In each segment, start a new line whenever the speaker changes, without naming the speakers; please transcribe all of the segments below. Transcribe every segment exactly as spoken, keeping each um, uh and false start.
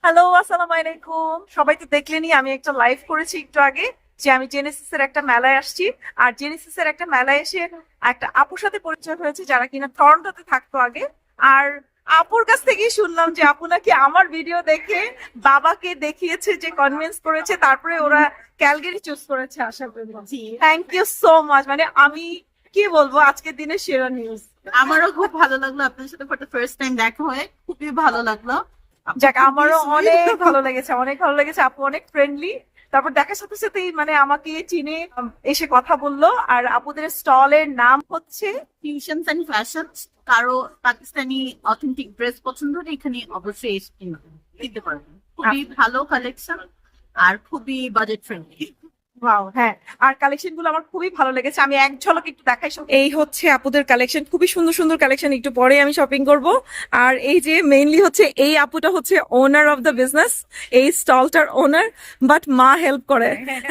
Hello, আসসালামু আলাইকুম। সবাই তো দেখলেনই, আমি একটা লাইভ করেছি একটু আগে যে আমি জেনেসিস এর একটা মেলায় আসছি। আর জেনেসিস এর একটা মেলায় এসে একটা আপুর সাথে পরিচয় হয়েছে যারা কিনা টরন্টোতে থাকতো আগে। আর আপুর কাছ থেকেই শুনলাম যে আপু নাকি আমার ভিডিও দেখে বাবাকে দেখিয়েছে, যে কনভিন্স করেছে, তারপরে ওরা ক্যালগেরি চুজ করেছে। আশা করি থ্যাংক ইউ সো মাচ। মানে আমি কি বলবো, আজকের দিনের সেরা নিউজ।
আমারও খুব ভালো লাগলো আপনার সাথে ফর দ্য ফার্স্ট টাইম দেখা হয়ে, খুবই ভালো লাগলো।
যাক, আমারও অনেক ভালো লেগেছে, অনেক ভালো লেগেছে। আপু অনেক ফ্রেন্ডলি। তারপর দেখার সাথে সাথেই মানে আমাকে চিনে উম, এসে কথা বললো। আর আপুদের স্টলের নাম হচ্ছে
ফিউশনস এন্ড ফ্যাশনস। কারো পাকিস্তানি অথেন্টিক ড্রেস পছন্দ হলে এখানে অবশ্যই এসে কিনতে কিনতে পারবেন। খুবই ভালো কালেকশন আর খুবই বাজেট ফ্রেন্ডলি।
ওয়াও, হ্যাঁ। আর কালেকশন গুলো আমার খুবই ভালো লেগেছে। আমি এক ঝলক একটু দেখাই। সব এই হচ্ছে আপুদের কালেকশন, খুবই সুন্দর সুন্দর কালেকশন। একটু পরে আমি শপিং করব। আর এই যে মেইনলি হচ্ছে এই আপুটা হচ্ছে ওনার অফ দ্য বিজনেস, এই স্টলটার ওনার। বাট মা হেল্প করে,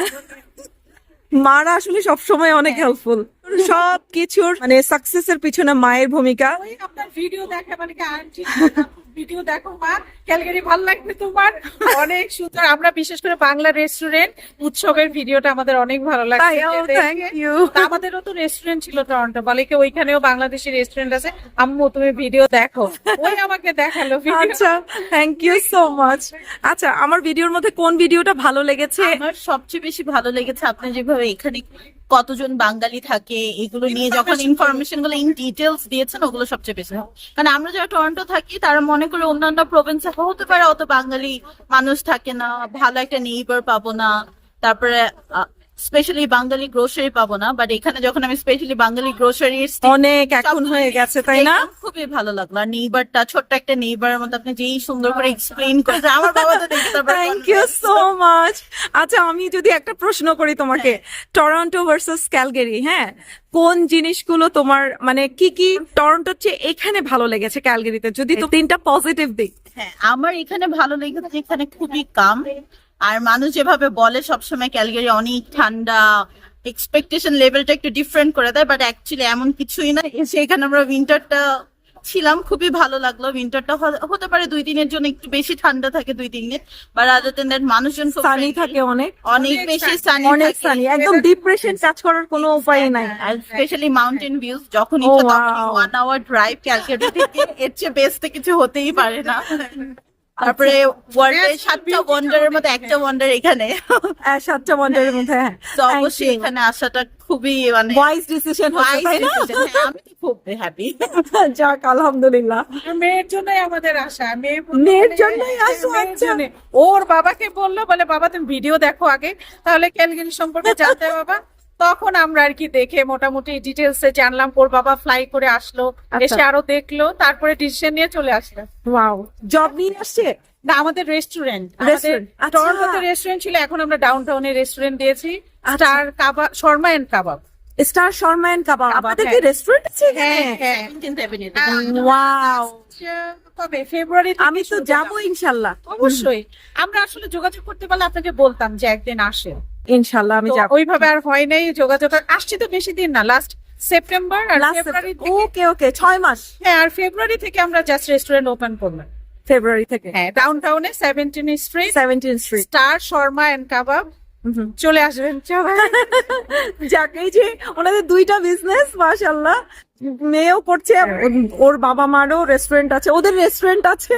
মারা আসলে সবসময় অনেক হেল্পফুল। সব কিছুর মানে সাকসেসের পিছনে মায়ের ভূমিকা।
আপনার ভিডিও দেখে মানে কি আন্টি ভিডিও দেখো মা, ক্যালগারি ভালো লাগবে তোমার, অনেক সুন্দর। আমরা বিশেষ করে বাংলা রেস্টুরেন্ট উৎসবের ভিডিওটা আমাদের অনেক ভালো লাগছে
তাই, oh,
দেখে।
thank you.
তা আমাদেরও তো রেস্টুরেন্ট ছিল টরন্টো, বলে কি ওইখানেও বাংলাদেশি রেস্টুরেন্ট আছে, আম্মু তুমি ভিডিও দেখো, ওই আমাকে দেখালো ভিডিও।
আচ্ছা, থ্যাংক ইউ সো মাচ। আচ্ছা, আমার ভিডিওর মধ্যে কোন ভিডিওটা ভালো লেগেছে?
আমার সবচেয়ে বেশি ভালো লেগেছে আপনি যেভাবে এখানে কতজন বাঙালি থাকে এগুলো নিয়ে যখন ইনফরমেশন গুলো ইন ডিটেলস দিয়েছেন, ওগুলো সবচেয়ে বেশি ভালো। কারণ আমরা যারা টরন্টো থাকি তারা মনে করে অন্যান্য প্রভিন্সে হতে পারে অত বাঙালি মানুষ থাকে না, ভালো একটা নেইবার পাবো না, তারপরে স্পেশালি বাঙালি গ্রোসারি পাবো না। বাট এখানে যখন আমি স্পেশালি বাঙালি গ্রোসারি
অনেক এখন হয়ে গেছে, তাই না?
খুবই ভালো লাগলো। আর নেইবারটা ছোট্ট একটা নেইবারের মধ্যে আপনি যেই সুন্দর করে এক্সপ্লেইন করেছে, আমার বাবা তো দেখে তারপর
থ্যাংক ইউ সো মাচ। আচ্ছা, আমি যদি একটা প্রশ্ন করি তোমাকে, টরন্টো ভার্সেস ক্যালগেরি, হ্যাঁ, কোন জিনিসগুলো তোমার মানে কি কি টরন্টোর চেয়ে এখানে ভালো লেগেছে ক্যালগেরিতে, যদি তো তিনটা পজিটিভ দিক?
হ্যাঁ, আমার এখানে ভালো লেগেছে, এখানে খুবই কাম। আর মানুষ যেভাবে বলে সবসময় ক্যালগারি অনেক ঠান্ডা, এক্সপেকটেশন লেভেলটা একটু ডিফারেন্ট করে দেয়, বাট অ্যাকচুয়ালি এমন কিছুই না। সেখানে আমরা উইন্টারটা ছিলাম, খুবই ভালো লাগলো। উইন্টারটা হতে পারে দুই দিনের জন্য একটু বেশি ঠান্ডা থাকে, দুই তিন দিন, বাট আদার দেন দ্যাট মানুষজন খুব
সানি থাকে, অনেক
অনেক বেশি সানি,
অনেক সানি, একদম ডিপ্রেশন কাজ করার কোনো উপায় নাই।
আর স্পেশালি মাউন্টেন ভিউজ যখন
Oh,
ইচ্ছা তখন
wow.
One hour drive Calcutta থেকে, এর চেয়ে বেস্ট কিছু হতেই পারে না। তারপরে ওয়ার্ল্ডের সাতটা ওয়ান্ডারের মধ্যে একটা ওয়ান্ডার এখানে,
হ্যাঁ, সাতটা ওয়ান্ডারের মধ্যে, হ্যাঁ।
তো অবশ্যই এখানে আসাটা খুবই মানে
ওয়াইজ ডিসিশন হচ্ছে, তাই না?
হ্যাঁ, আমি তো খুব হ্যাপি।
যাক, আলহামদুলিল্লাহ।
আর মেয়ের জন্যই আমাদের আশা, মেয়ে বললো
মেয়ের
মানে,
জন্যই আসো,
মেয়ের
আচ্ছা।
জন্যে। ওর বাবাকে বললো, বলে বাবা তুমি ভিডিও দেখো আগে, তাহলে ক্যালগারি সম্পর্কে জানতে বাবা। তখন আমরা আর কি দেখে মোটামুটি ডিটেলস এ জানলাম। ওর বাবা ফ্লাই করে আসলো,
আচ্ছা।
এসে আরো দেখলো, তারপরে ডিসিশন নিয়ে চলে আসলো।
ওয়াও, জব নিয়ে আসছে।
না, আমাদের রেস্টুরেন্ট, আমাদের
Restaurant, আচ্ছা।
টরন্টোতে রেস্টুরেন্ট ছিল, এখন আমরা ডাউন টাউনে রেস্টুরেন্ট দিয়েছি, star kebab, shawarma and kebab.
Star shawarma and kebab,
kebab,
আপনাদের কি
হ্যাঁ।
রেস্টুরেন্ট আছে?
হ্যাঁ হ্যাঁ।
seventeenth Avenue তে।
ওয়াও,
কবে? ফেব্রুয়ারি
আমি তো যাবো ইনশাল্লাহ।
অবশ্যই। আমরা আসলে যোগাযোগ করতে পারলে আপনাকে বলতাম যে একদিন আসে,
ইনশাল্লাহ আমি
তো
যাবো।
ওইভাবে আর হয় নাই যোগাযোগ। আর আসছি তো বেশি দিন না, লাস্ট সেপ্টেম্বর আর ফেব্রুয়ারি থেকে।
ওকে ওকে, ছয় মাস।
হ্যাঁ, আর ফেব্রুয়ারি থেকে আমরা জাস্ট রেস্টুরেন্ট ওপেন করলাম।
ফেব্রুয়ারি থেকে,
হ্যাঁ, ডাউন টাউনে seventeen street,
seventeen street.
Star shawarma and kebab. চলে আসবেন সবাই।
যাক, এই যে ওনাদের দুইটা বিজনেস, মাশাআল্লাহ, মেয়েও করছে, ওর বাবা মারও রেস্টুরেন্ট আছে, ওদের রেস্টুরেন্ট আছে।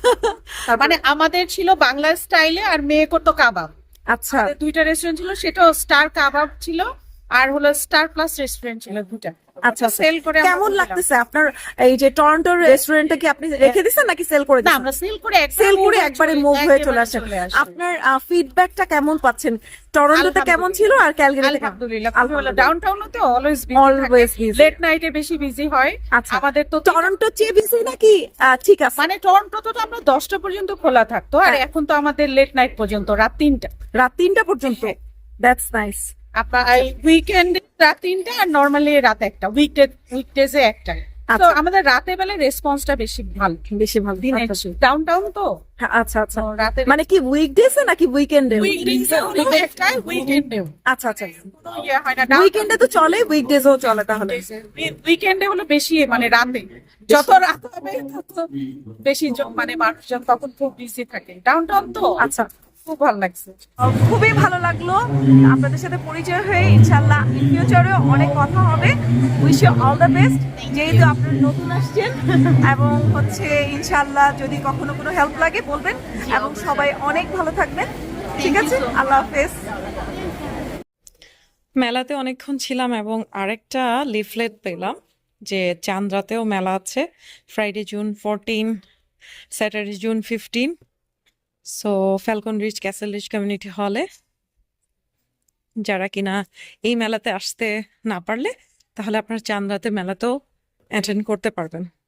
তার মানে আমাদের ছিল বাংলা স্টাইলে, আর মেয়ে করতো কাবাব।
আচ্ছা,
আমাদের দুইটা রেস্টুরেন্ট ছিল, সেটাও স্টার কাবাব ছিল, আর হলো স্টার প্লাস রেস্টুরেন্ট ছিল, দুটা।
আচ্ছা,
সেল করে আমরা
কেমন
দিলাম।
লাগতেছে আপনার এই যে টরন্টোর রেস্টুরেন্টটা? কি আপনি রেখে দিছেন নাকি সেল করে
না,
দিছেন?
আমরা সেল করে
সেল করে একবারে মুভ হয়ে চলে আসেন। আপনার ফিডব্যাকটা কেমন পাচ্ছেন? টরন্টোতে কেমন ছিল আর ক্যালগারিতে কেমন?
আলহামদুলিল্লাহ, ডাউন টাউনে তো অলওয়েজ
Always busy.
লেট নাইটে বেশি বিজি হয়।
আচ্ছা,
আমাদের তো
টরন্টো চেয়ে বেশি নাকি? আহ, ঠিক আছে,
মানে টরন্টো তো আমরা দশটা পর্যন্ত খোলা থাকতো, আর
হ্যাঁ।
এখন তো আমাদের লেট নাইট পর্যন্ত, রাত তিনটা।
রাত তিনটা পর্যন্ত। That's nice.
আপনার উইকেন্ড রাত তিনটা, আর নর্মালি রাত একটা, উইকডে উইকডেজে একটা। তো
আচ্ছা।
আমাদের রাতে বেলা রেসপন্সটা বেশি ভালো,
বেশি ভালো দিন।
ডাউন টাউন তো
আচ্ছা আচ্ছা,
তো রাতে
মানে কি উইকডেজে নাকি উইকেন্ডে?
উইকেন্ডে
আচ্ছা আচ্ছা,
ইয়ে হয় না,
উইকেন্ডে তো চলে, উইকডেজও চলে তাহলে।
উইকেন্ডে হলো বেশি, মানে রাতে যত রাত হবে তত বেশি জন- মানে মানুষজন তখন খুব বিজি থাকে ডাউন টাউন তো
আচ্ছা,
খুব ভালো লাগছে।
খুবই ভালো লাগলো আপনাদের সাথে পরিচয় হয়ে। ইনশাল্লাহ ইন ফিউচারেও অনেক কথা হবে। Wish you all the best, যেহেতু আপনারা নতুন আসছেন, এবং হচ্ছে ইনশাল্লাহ যদি কখনো কোনো হেল্প লাগে বলবেন, এবং সবাই অনেক ভালো থাকবেন। ঠিক আছে, আল্লাহ হাফেজ।
মেলাতে অনেকক্ষণ ছিলাম এবং আরেকটা লিফলেট পেলাম যে চান্দ্রাতেও মেলা আছে, Friday June fourteen, Saturday June fifteen. So Falcon Ridge Castle Ridge community হলে যারা কিনা এই মেলাতে আসতে না পারলে তাহলে আপনার চান্দ্রাতে মেলাতেও অ্যাটেন্ড করতে পারবেন।